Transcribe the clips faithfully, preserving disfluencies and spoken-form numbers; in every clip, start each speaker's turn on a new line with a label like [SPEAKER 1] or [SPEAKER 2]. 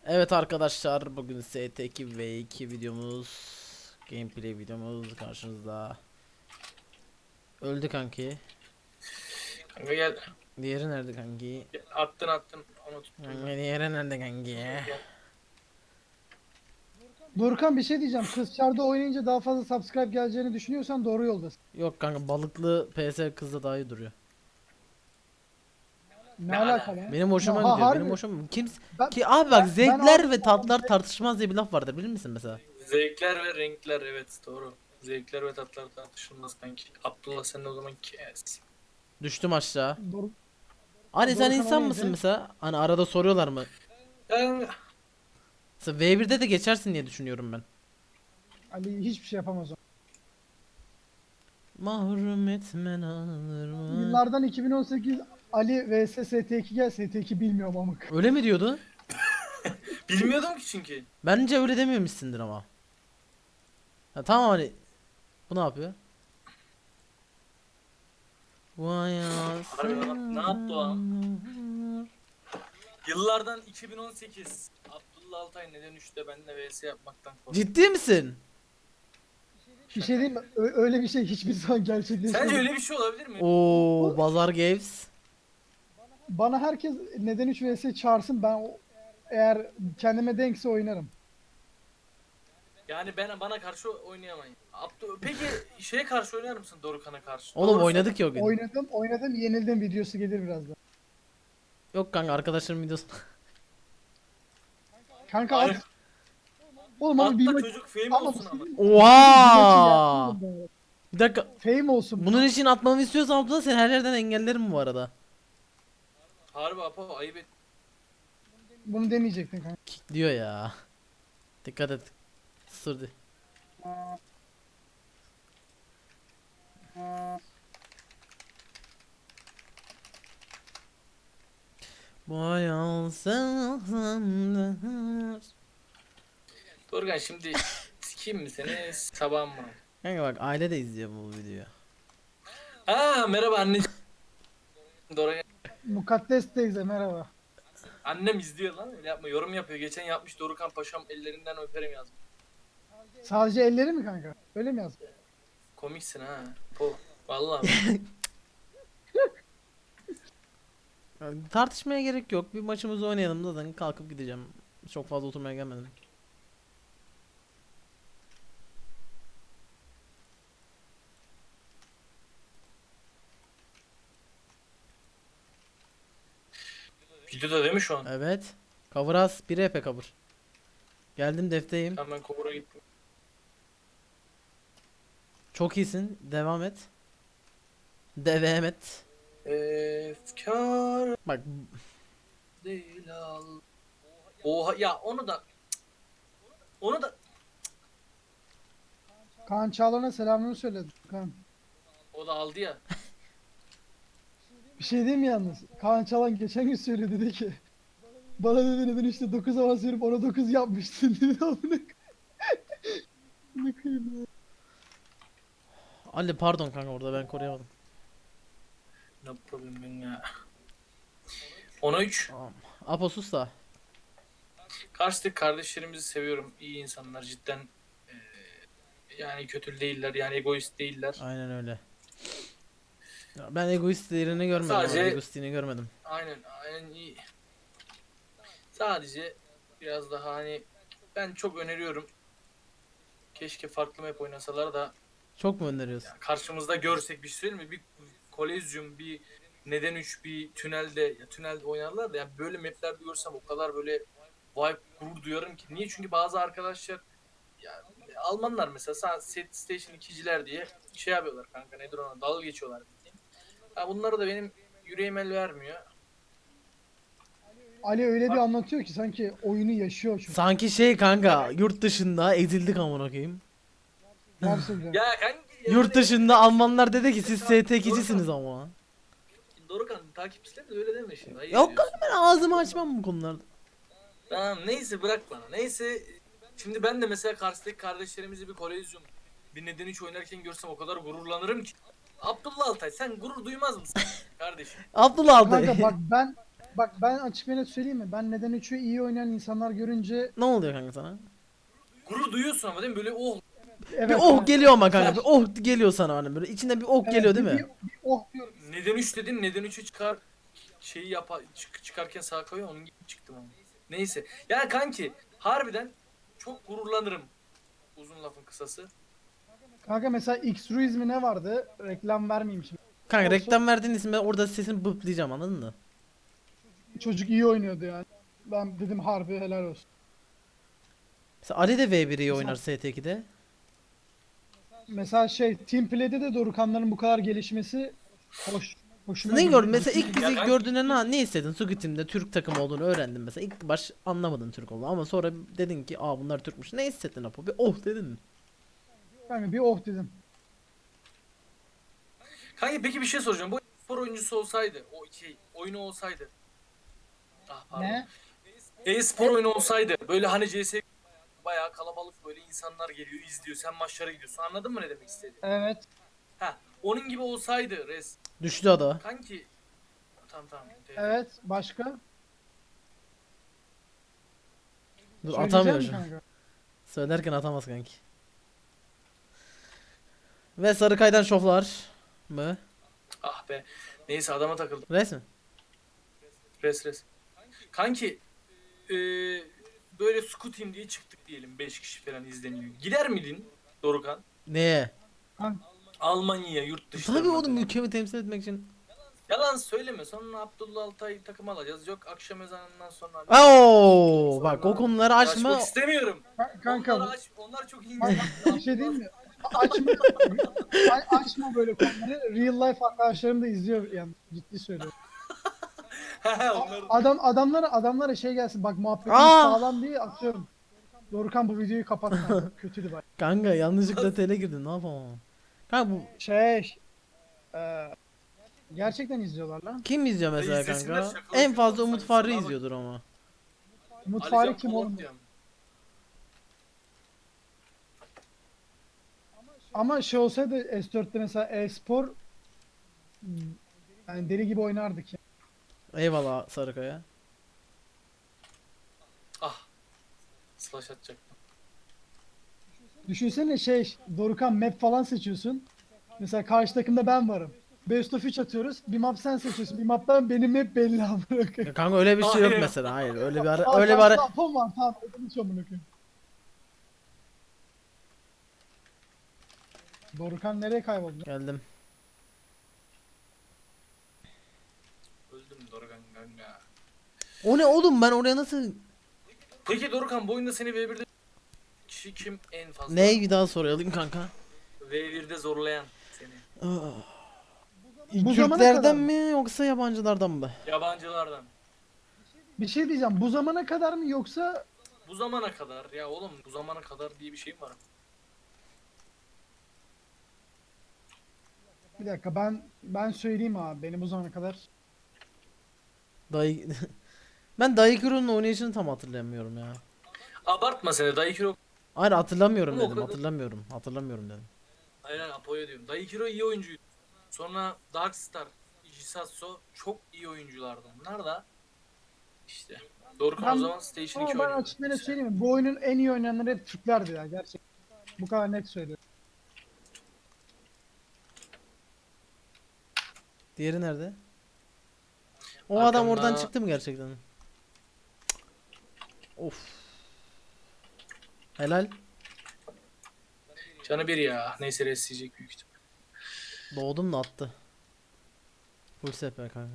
[SPEAKER 1] Evet arkadaşlar, bugün S T iki ve iki videomuz, gameplay videomuz karşınızda. Öldü kanki.
[SPEAKER 2] Kanka gel.
[SPEAKER 1] Diğeri nerede kanki?
[SPEAKER 2] Gel. Attın attın. Onu tuttum
[SPEAKER 1] Kanka
[SPEAKER 2] ben.
[SPEAKER 1] diğeri nerede kanki?
[SPEAKER 2] Gel.
[SPEAKER 3] Dorkan bir şey diyeceğim. Kız çarda oynayınca daha fazla subscribe geleceğini düşünüyorsan doğru yoldasın.
[SPEAKER 1] Yok kanka, balıklı P S kızda daha iyi duruyor.
[SPEAKER 3] Ne
[SPEAKER 2] Ne
[SPEAKER 3] alaka
[SPEAKER 2] alaka?
[SPEAKER 3] lan?
[SPEAKER 1] Benim hoşuma
[SPEAKER 3] Ha,
[SPEAKER 1] gidiyor. Benim
[SPEAKER 3] harbi.
[SPEAKER 1] hoşuma kim
[SPEAKER 3] Ben,
[SPEAKER 1] ki abi, bak,
[SPEAKER 3] ben, ben
[SPEAKER 1] zevkler
[SPEAKER 3] abi
[SPEAKER 1] ve tatlar tartışmaz diye bir laf vardır, bilir misin mesela?
[SPEAKER 2] Zevkler ve renkler, evet doğru. Zevkler ve tatlar tartışılmaz kanki. Abdullah sen de o zaman kes.
[SPEAKER 1] Düştüm aşağı.
[SPEAKER 3] Dor
[SPEAKER 1] Hani sen
[SPEAKER 3] Dorukhan
[SPEAKER 1] insan
[SPEAKER 3] o
[SPEAKER 1] mısın
[SPEAKER 3] neydi?
[SPEAKER 1] mesela? Hani arada soruyorlar mı?
[SPEAKER 2] Ben
[SPEAKER 1] Mesela V birde de geçersin diye düşünüyorum ben.
[SPEAKER 3] Ali hiçbir şey yapamaz o.
[SPEAKER 1] Mahrum etmen alır mı?
[SPEAKER 3] Yıllardan iki bin on sekiz Ali vs S T iki gel S T iki bilmiyorum amık.
[SPEAKER 1] Öyle mi diyordu?
[SPEAKER 2] bilmiyordum ki çünkü.
[SPEAKER 1] Bence öyle dememişsindir ama. Ha, tamam, hani bu ne yapıyor? Vay
[SPEAKER 2] Harbi lan, ne yaptı o an? Yıllardan iki bin on sekiz. Abdullah Altay neden üçte benimle vs yapmaktan korktu.
[SPEAKER 1] Ciddi misin?
[SPEAKER 3] Bir şey diyeyim mi? Ö- öyle bir şey hiçbir zaman gerçekleşmedi.
[SPEAKER 2] Sence öyle bir şey olabilir mi?
[SPEAKER 1] Oo, Bazar Games.
[SPEAKER 3] Bana herkes neden üç vs çağırsın ben o- eğer kendime denkse oynarım.
[SPEAKER 2] Yani ben bana karşı oynayamayın. Abdu peki şeye karşı oynar mısın Dorukhan'a karşı?
[SPEAKER 1] Oğlum
[SPEAKER 2] Doğru
[SPEAKER 1] oynadık
[SPEAKER 2] söyle.
[SPEAKER 1] ya o gün.
[SPEAKER 3] Oynadım, oynadım, yenildim videosu gelir birazdan.
[SPEAKER 1] Yok kanka, arkadaşlarım videosu.
[SPEAKER 3] Kanka
[SPEAKER 2] Aynen.
[SPEAKER 3] at. Oğlum ama bir
[SPEAKER 2] Hatta
[SPEAKER 3] maç
[SPEAKER 2] çocuk fame
[SPEAKER 3] ama
[SPEAKER 2] olsun ama.
[SPEAKER 1] Oha! Bir dakika.
[SPEAKER 3] Fame olsun.
[SPEAKER 1] Bunun için atmamı istiyorsan abla, seni her yerden engellerim bu arada.
[SPEAKER 2] Harbi apa ayıp et.
[SPEAKER 3] Bunu demeyecektin kanka.
[SPEAKER 1] Kick diyor ya. Dikkat et. Sırdı. Boyan senler.
[SPEAKER 2] Dorukhan şimdi sikeyim mi seni sabah mı?
[SPEAKER 1] Kanka bak, aile de izliyor bu videoyu.
[SPEAKER 2] Ha merhaba anneciğim. Dorukhan.
[SPEAKER 3] Mukaddes teyze merhaba.
[SPEAKER 2] Annem izliyor lan öyle yapma yorum yapıyor. Geçen yapmış Dorukhan Paşam ellerinden öperim yazmış.
[SPEAKER 3] Sadece elleri mi kanka? Öyle mi yazdın?
[SPEAKER 2] Komiksin ha. Po. Vallahi.
[SPEAKER 1] Yani tartışmaya gerek yok. Bir maçımızı oynayalım, zaten kalkıp gideceğim. Çok fazla oturmaya gelmedim.
[SPEAKER 2] Videoda değil mi şu an?
[SPEAKER 1] Evet. Cover az. Bir E P cover. Geldim, defteyim.
[SPEAKER 2] Tamam ben Kobur'a gittim.
[SPEAKER 1] Çok iyisin. Devam et. Devam et.
[SPEAKER 2] Efkar
[SPEAKER 1] Bak,
[SPEAKER 2] değil al. Oha ya onu da onu da
[SPEAKER 3] Kaan Çağlar'a selamını söyledim. Kaan.
[SPEAKER 2] o da aldı ya.
[SPEAKER 3] Bir şey diyeyim mi yalnız? Kaan Çağlan geçen gün söyledi dedi ki bana dedi neden işte dokuz avans verip ona dokuz yapmıştın dedi. Amına amına koyayım ya.
[SPEAKER 1] Ali pardon kanka, orada ben koruyamadım.
[SPEAKER 2] Ne problem ben ya. Ona üç.
[SPEAKER 1] Tamam. Aposus da.
[SPEAKER 2] Karşıdaki kardeşlerimizi seviyorum. İyi insanlar cidden. Ee, yani kötü değiller. Yani egoist değiller.
[SPEAKER 1] Aynen öyle. Ya ben egoistlerini görmedim
[SPEAKER 2] Sadece-
[SPEAKER 1] ama egoistliğini görmedim.
[SPEAKER 2] Aynen aynen iyi. Sadece biraz daha hani ben çok öneriyorum. Keşke farklı map oynasalar da
[SPEAKER 1] Çok mu öneriyorsun?
[SPEAKER 2] yani karşımızda görsek bir şey söyleyeyim mi? Bir kolezyum, bir neden üç, bir tünelde, ya tünelde oynarlar da yani böyle maplerde görsem o kadar böyle vibe gurur duyarım ki. Niye? Çünkü bazı arkadaşlar ya Almanlar mesela sa- set station ikiciler diye şey yapıyorlar kanka, nedir ona, dalga geçiyorlar bildiğin. Ya bunları da benim yüreğim el vermiyor.
[SPEAKER 3] Ali öyle bir anlatıyor ki sanki oyunu yaşıyor çocuk.
[SPEAKER 1] Sanki şey kanka, yurt dışında ezildik amına koyayım.
[SPEAKER 3] Gerçekten.
[SPEAKER 2] Ya kanki ya
[SPEAKER 1] Yurt
[SPEAKER 2] böyle-
[SPEAKER 1] dışında Almanlar dedi ki siz S T ikicisiniz ama.
[SPEAKER 2] Dorukan takipçiler de öyle deme şimdi. Ayıp
[SPEAKER 1] Yok
[SPEAKER 2] ediyorsun.
[SPEAKER 1] kanka, ben ağzımı açmam bu konularda.
[SPEAKER 2] Tamam neyse bırak bana. Neyse şimdi ben de mesela karşıdaki kardeşlerimizi bir kolezyum, bir neden üç oynarken görsem o kadar gururlanırım ki. Abdullah Altay sen gurur duymaz mısın kardeşim?
[SPEAKER 1] Abdullah aldı.
[SPEAKER 3] Kanka bak ben bak ben açık ve net söyleyeyim mi? Ben neden üçü iyi oynayan insanlar görünce
[SPEAKER 1] Ne oluyor kanka sana?
[SPEAKER 2] Gurur duyuyorsun ama değil mi? Böyle oh.
[SPEAKER 3] evet
[SPEAKER 1] Bir oh
[SPEAKER 3] evet.
[SPEAKER 1] geliyor ama kanka. Bir
[SPEAKER 3] Güzel.
[SPEAKER 1] oh geliyor sana hani böyle. İçinden bir oh
[SPEAKER 3] Evet,
[SPEAKER 1] geliyor değil
[SPEAKER 3] bir,
[SPEAKER 1] mi?
[SPEAKER 3] bir, bir oh diyorum.
[SPEAKER 2] Neden üç dedin? Neden üçü çıkar şeyi yapa çık, çıkarken sağa kayıyor onun gibi çıktım ama. Neyse. Yani kanki harbiden çok gururlanırım. Uzun lafın kısası.
[SPEAKER 3] Kanka mesela X-Ruiz mi ne vardı? Reklam vermeyeyim şimdi.
[SPEAKER 1] Kanka
[SPEAKER 3] Olsun.
[SPEAKER 1] reklam verdiğin isim ben orada sesini bıplayacağım anladın mı?
[SPEAKER 3] Çocuk iyi oynuyordu yani. Ben dedim harbi helal olsun.
[SPEAKER 1] Mesela Ali de V bir iyi
[SPEAKER 3] Mesela-
[SPEAKER 1] oynar S T ikide.
[SPEAKER 3] Mesela şey Team Play'de de Dorukhanların bu kadar gelişmesi hoş. Hoşuma
[SPEAKER 1] Ne
[SPEAKER 3] gidiyor.
[SPEAKER 1] gördün? Mesela ilk
[SPEAKER 2] Ya
[SPEAKER 1] bizi
[SPEAKER 2] ben-
[SPEAKER 1] gördüğünde ne, ne hissedin? Squid Team'de Türk takımı olduğunu öğrendin mesela. İlk baş anlamadın Türk olduğunu ama sonra dedin ki aa bunlar Türkmüş. Ne hissettin Apo? Bir oh dedin mi?
[SPEAKER 3] Kanka bir oh dedim.
[SPEAKER 2] Kanki peki bir şey soracağım. Bu spor oyuncusu olsaydı, o şey oyunu olsaydı. Ah pardon.
[SPEAKER 3] Ne?
[SPEAKER 2] E-spor oyunu olsaydı böyle hani C S bayağı kalabalık böyle insanlar geliyor izliyor sen maçlara gidiyorsun anladın mı ne demek istediğimi?
[SPEAKER 3] Evet.
[SPEAKER 2] Ha onun gibi olsaydı res
[SPEAKER 1] Düştü ada.
[SPEAKER 2] kanki tamam tamam.
[SPEAKER 3] Evet. Başka?
[SPEAKER 1] Dur
[SPEAKER 3] Söyleyeceğim
[SPEAKER 1] atamıyor
[SPEAKER 3] mi
[SPEAKER 1] şu an.
[SPEAKER 3] kanka?
[SPEAKER 1] Söylerken atamaz kanki. Ve Sarıkay'dan şoflar mı?
[SPEAKER 2] Ah be neyse adama takıldım
[SPEAKER 1] Resmi.
[SPEAKER 2] res res. Kanki eee böyle Scoot'im diye çıktık diyelim beş kişi falan izleniyor. Gider miydin Dorukan?
[SPEAKER 1] Neye?
[SPEAKER 3] Kanka,
[SPEAKER 2] Almanya'ya yurt dışlarına
[SPEAKER 1] Tabii oğlum
[SPEAKER 2] falan.
[SPEAKER 1] ülkemi temsil etmek için.
[SPEAKER 2] Yalan söyleme sonra Abdullah Altay takım alacağız. Yok akşam ezanından sonra.
[SPEAKER 1] Oo,
[SPEAKER 2] Sonra
[SPEAKER 1] bak o konuları açma.
[SPEAKER 2] Açmak istemiyorum.
[SPEAKER 3] kanka
[SPEAKER 2] Onlar, aç, onlar çok ince.
[SPEAKER 3] Bak, bir şey değil mi? Açma, a- açma böyle konuları. Real life arkadaşlarım da izliyor yani ciddi söylüyorum.
[SPEAKER 2] onlar
[SPEAKER 3] Adam adamlara adamlara şey gelsin bak muhabbetimiz
[SPEAKER 1] Aa!
[SPEAKER 3] sağlam diye atıyorum. Dorukan bu videoyu kapat kanka. Kötüydü bak.
[SPEAKER 1] Kanka yanlışlıkla tele girdin ne yapamam. Kanka bu
[SPEAKER 3] Şey e, gerçekten izliyorlar lan.
[SPEAKER 1] kim izliyor mesela
[SPEAKER 2] İzlesinler,
[SPEAKER 1] kanka?
[SPEAKER 2] şakalaşıyorlar
[SPEAKER 1] En fazla Umut
[SPEAKER 2] sanki,
[SPEAKER 1] Farrı
[SPEAKER 2] sana bak.
[SPEAKER 1] izliyordur ama.
[SPEAKER 3] Umut
[SPEAKER 2] Ali
[SPEAKER 3] Fahri
[SPEAKER 2] Can
[SPEAKER 3] kim
[SPEAKER 2] Polat
[SPEAKER 3] oğlum?
[SPEAKER 2] diyorum.
[SPEAKER 3] Ama şey olsaydı S dörtte mesela e-spor hmm, yani deli gibi oynardık ya.
[SPEAKER 1] Eyvallah Sarıkaya.
[SPEAKER 2] Ah. Slash atacaktım.
[SPEAKER 3] Düşünsene şey Dorukan map falan seçiyorsun. Mesela karşı takımda ben varım. Best of üç atıyoruz. Bir map sen seçiyorsun. Bir maptan benim hep belli amına
[SPEAKER 1] Ya
[SPEAKER 3] koyayım.
[SPEAKER 1] kanka öyle bir şey yok
[SPEAKER 2] Aynen.
[SPEAKER 1] mesela. Hayır öyle bir ara
[SPEAKER 3] Aa,
[SPEAKER 1] öyle bir ara
[SPEAKER 3] karşıda Apom var tamam. Ödüm hiç amına koyayım. Dorukan nereye kayboldu?
[SPEAKER 1] geldim.
[SPEAKER 2] Öldüm Dorukan kanka.
[SPEAKER 1] O ne oğlum ben oraya nasıl
[SPEAKER 2] Peki Dorukan bu oyunda seni V birde kişi kim en fazla?
[SPEAKER 1] Ney bir daha sorayım kanka.
[SPEAKER 2] V birde zorlayan seni.
[SPEAKER 3] Bu zamana kadar
[SPEAKER 1] Türklerden
[SPEAKER 3] mı?
[SPEAKER 1] mi yoksa yabancılardan mı?
[SPEAKER 2] Yabancılardan.
[SPEAKER 3] Bir şey diyeceğim. Bu zamana kadar mı yoksa
[SPEAKER 2] Bu zamana kadar ya oğlum bu zamana kadar diye bir şey mi var?
[SPEAKER 3] bir dakika ben ben söyleyeyim abi. Benim bu zamana kadar
[SPEAKER 1] Dayı Ben Daikuro'nun oynayışını tam hatırlamıyorum ya.
[SPEAKER 2] Abartma seni Daikiro.
[SPEAKER 1] Hayır hatırlamıyorum
[SPEAKER 2] Ama o
[SPEAKER 1] dedim.
[SPEAKER 2] kadar-
[SPEAKER 1] Hatırlamıyorum. Hatırlamıyorum dedim.
[SPEAKER 2] Aynen Apo'ya diyorum. Daikiro iyi oyuncuydu. Sonra Darkstar, Jisatsu çok iyi oyunculardı. Bunlar da işte. Dorukan
[SPEAKER 3] Ben-
[SPEAKER 2] o zaman Station iki
[SPEAKER 3] ama ben
[SPEAKER 2] oynuyordu.
[SPEAKER 3] açık net söyleyeyim mi? Bu oyunun en iyi oynayanları hep Türklerdi ya gerçekten. Bu kadar net söylüyorum.
[SPEAKER 1] Diğeri nerede? O
[SPEAKER 2] Arkamda-
[SPEAKER 1] adam oradan çıktı mı gerçekten? Cık. Of. Helal.
[SPEAKER 2] Canı bir ya. Neyse resleyecek büyük ihtimal.
[SPEAKER 1] Doğdum da attı. Full S P kanka.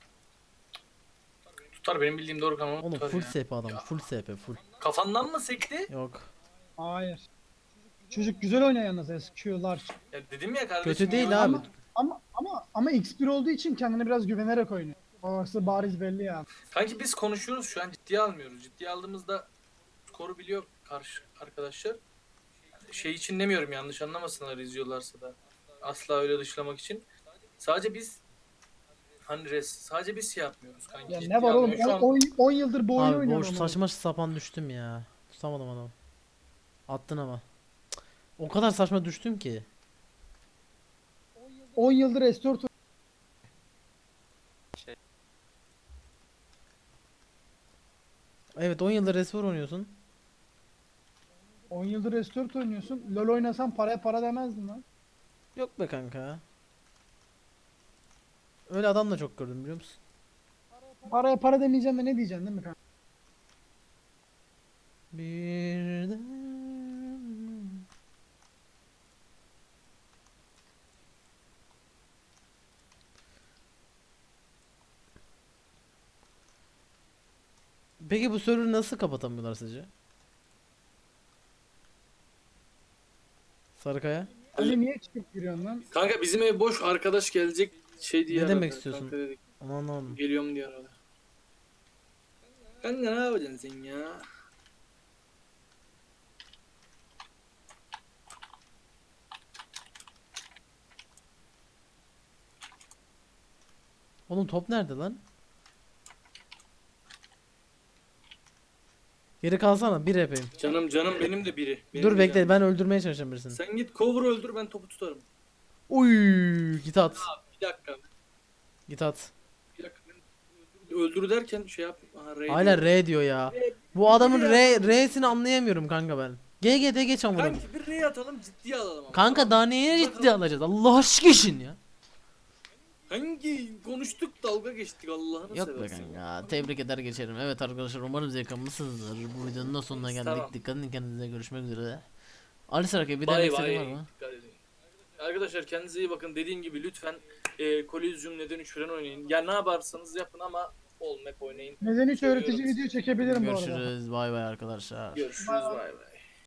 [SPEAKER 2] Tutar benim bildiğim Dorukan onu
[SPEAKER 1] Oğlum
[SPEAKER 2] tutar
[SPEAKER 1] full
[SPEAKER 2] ya.
[SPEAKER 1] S P adam.
[SPEAKER 2] Ya.
[SPEAKER 1] Full S P full.
[SPEAKER 2] Kafandan mı sekti?
[SPEAKER 1] Yok.
[SPEAKER 3] Hayır. Çocuk güzel oynuyor yalnız S Q'lar.
[SPEAKER 2] Ya dedim ya kardeşim.
[SPEAKER 1] Kötü değil
[SPEAKER 2] iyi
[SPEAKER 1] abi.
[SPEAKER 2] oyuncu.
[SPEAKER 3] Ama ama ama X bir olduğu için kendine biraz güvenerek oynuyor. Orası bariz belli ya.
[SPEAKER 2] Kanki biz konuşuyoruz şu an ciddiye almıyoruz. Ciddiye aldığımızda skoru biliyor karşı arkadaşlar. Şey için demiyorum yanlış anlamasınlar izliyorlarsa da. Asla öyle dışlamak için. Sadece biz hani res sadece biz şey yapmıyoruz kanki.
[SPEAKER 3] Ya
[SPEAKER 2] ciddiye
[SPEAKER 3] ne var oğlum?
[SPEAKER 2] almıyoruz. Şu an
[SPEAKER 3] on yıldır bu oyunu
[SPEAKER 1] Abi
[SPEAKER 3] oynuyorum.
[SPEAKER 1] boş
[SPEAKER 3] ama.
[SPEAKER 1] saçma sapan düştüm ya. Tutamadım adamı. Attın ama. Cık. O kadar saçma düştüm ki.
[SPEAKER 3] on yıldır S dört
[SPEAKER 1] Evet on yıldır Restore oynuyorsun.
[SPEAKER 3] on yıldır S dört oynuyorsun. LoL oynasan paraya para demezdin lan.
[SPEAKER 1] Yok be kanka. Öyle adam da çok gördüm biliyor musun?
[SPEAKER 3] Paraya para demeyeceğim de ne diyeceksin değil mi kanka?
[SPEAKER 1] Bir Peki bu server'ı nasıl kapatamıyorlar sizce? Sarıkaya?
[SPEAKER 3] Ali niye çıkıp giriyorsun lan?
[SPEAKER 2] Kanka bizim ev boş, arkadaş gelecek şey diye
[SPEAKER 1] Ne demek
[SPEAKER 2] aradı.
[SPEAKER 1] istiyorsun?
[SPEAKER 2] Kanka dedik,
[SPEAKER 1] Aman anlamadım.
[SPEAKER 2] geliyorum diye aradı. Kanka ne yapacaksın sen ya?
[SPEAKER 1] Oğlum top nerede lan? Geri kalsana bir yapayım.
[SPEAKER 2] Canım canım benim de biri. Benim
[SPEAKER 1] Dur
[SPEAKER 2] de
[SPEAKER 1] bekle
[SPEAKER 2] canım.
[SPEAKER 1] ben öldürmeye çalışacağım birisini.
[SPEAKER 2] Sen git cover öldür, ben topu tutarım.
[SPEAKER 1] Uy git at.
[SPEAKER 2] Bir dakika.
[SPEAKER 1] Git at.
[SPEAKER 2] Bir dakika. Ben öldür derken şey yap. Aha, R
[SPEAKER 1] Hala
[SPEAKER 2] diyor.
[SPEAKER 1] R diyor ya. Bu adamın R R'sini anlayamıyorum kanka ben. G G D geç amına.
[SPEAKER 2] Kanki bir R atalım, ciddiye alalım ama.
[SPEAKER 1] Kanka daha neye ciddi alacağız? Allah aşkına işin ya.
[SPEAKER 2] Hangi konuştuk, dalga geçtik Allah'ını
[SPEAKER 1] Yok be
[SPEAKER 2] seversen.
[SPEAKER 1] kanka. Tebrik eder geçerim. Evet arkadaşlar umarım zevk almışsınızdır. Bu videonun da sonuna geldik.
[SPEAKER 2] Tamam.
[SPEAKER 1] Dikkat edin kendinize, görüşmek üzere. Ali Sarıkaya bir
[SPEAKER 2] Bay
[SPEAKER 1] demek istediğin var
[SPEAKER 2] bay.
[SPEAKER 1] mı?
[SPEAKER 2] Dikkat edin. Arkadaşlar kendinize iyi bakın. Dediğim gibi lütfen e, Coliseum neden üç falan oynayın. Ya ne yaparsanız yapın ama ol map oynayın.
[SPEAKER 3] Neden hiç
[SPEAKER 2] Seviyorum
[SPEAKER 3] öğretici
[SPEAKER 2] sizi.
[SPEAKER 3] video çekebilirim bu arada.
[SPEAKER 1] Görüşürüz. Bay bay arkadaşlar.
[SPEAKER 2] Görüşürüz,
[SPEAKER 3] Bay bay.
[SPEAKER 2] bay bay.